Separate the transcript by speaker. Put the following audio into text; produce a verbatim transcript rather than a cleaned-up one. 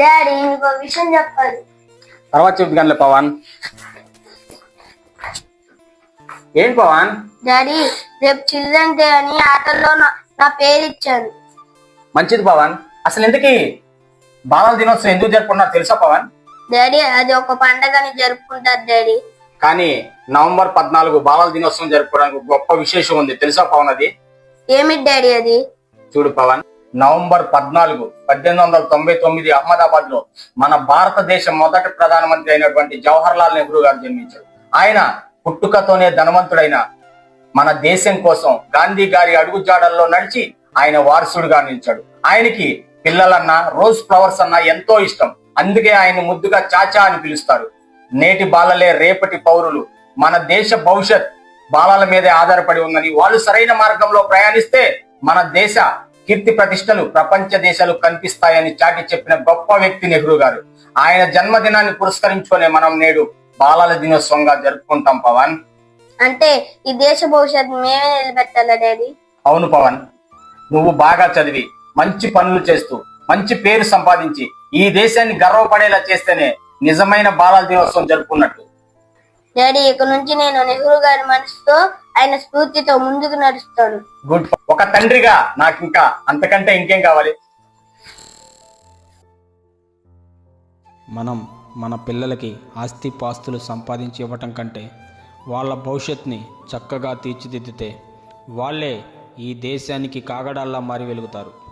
Speaker 1: Daddy ఇంకో విషయం చెప్పాలి.
Speaker 2: తర్వాత చెప్తానులే పవన్. ఏంటి పవన్?
Speaker 1: డాడీ రేపు చిల్డ్రన్ డే అని ఆటల్లో నా- నా పేరు ఇచ్చాను.
Speaker 2: మంచిది పవన్. అసలు ఎందుకు బాలల దినోత్సవం ఎందుకు జరుపుకున్నారు తెలుసా పవన్?
Speaker 1: డాడీ అది ఒక పండగని జరుపుకుంటారు డాడీ.
Speaker 2: కానీ నవంబర్ పద్నాలుగు బాలల దినోత్సవం జరుపుకోవడానికి గొప్ప విశేషం ఉంది తెలుసా పవన్? అది
Speaker 1: ఏమిటి డాడీ అది?
Speaker 2: చూడు పవన్, నవంబర్ పద్నాలుగు పద్దెనిమిది వందల తొంభై తొమ్మిది అహ్మదాబాద్ లో మన భారతదేశ మొదటి ప్రధానమంత్రి అయినటువంటి జవహర్ లాల్ నెహ్రూ గారు జన్మించారు. ఆయన పుట్టుకతోనే ధనవంతుడైన మన దేశం కోసం గాంధీ గారి అడుగు జాడల్లో నడిచి ఆయన వారసుడుగా నిలిచాడు. ఆయనకి పిల్లలన్నా రోజ్ ఫ్లవర్స్ అన్నా ఎంతో ఇష్టం. అందుకే ఆయన ముద్దుగా చాచా అని పిలుస్తారు. నేటి బాలలే రేపటి పౌరులు. మన దేశ భవిష్యత్ బాలల మీదే ఆధారపడి ఉందని, వాళ్ళు సరైన మార్గంలో ప్రయాణిస్తే మన దేశ కీర్తి ప్రతిష్టలు ప్రపంచ దేశాలు కనిపిస్తాయని చాటి చెప్పిన గొప్ప వ్యక్తి నెహ్రూ గారు. ఆయన జన్మదినాన్ని పురస్కరించుకునే మనం నేడు బాలల దినోత్సవంగా జరుపుకుంటాం పవన్.
Speaker 1: అంటే ఈ దేశ భవిష్యత్తు మేమే నిలబెట్టాలా డాడీ?
Speaker 2: అవును పవన్, నువ్వు బాగా చదివి మంచి పనులు చేస్తూ మంచి పేరు సంపాదించి ఈ దేశాన్ని గర్వపడేలా చేస్తేనే నిజమైన బాలల దినోత్సవం జరుపుకున్నట్టు.
Speaker 1: డాడీ ఇక నుంచి నేను నెహ్రూ గారి మనసుతో ఆయన స్ఫూర్తితో ముందుకు నడుస్తాను.
Speaker 2: గుడ్. ఒక తండ్రిగా నాకు ఇంకా అంతకంటే ఇంకేం కావాలి?
Speaker 3: మనం మన పిల్లలకి ఆస్తి పాస్తులు సంపాదించి ఇవ్వటం కంటే వాళ్ళ భవిష్యత్తుని చక్కగా తీర్చిదిద్దితే వాళ్ళే ఈ దేశానికి కాగడాల్లా మారి వెలుగుతారు.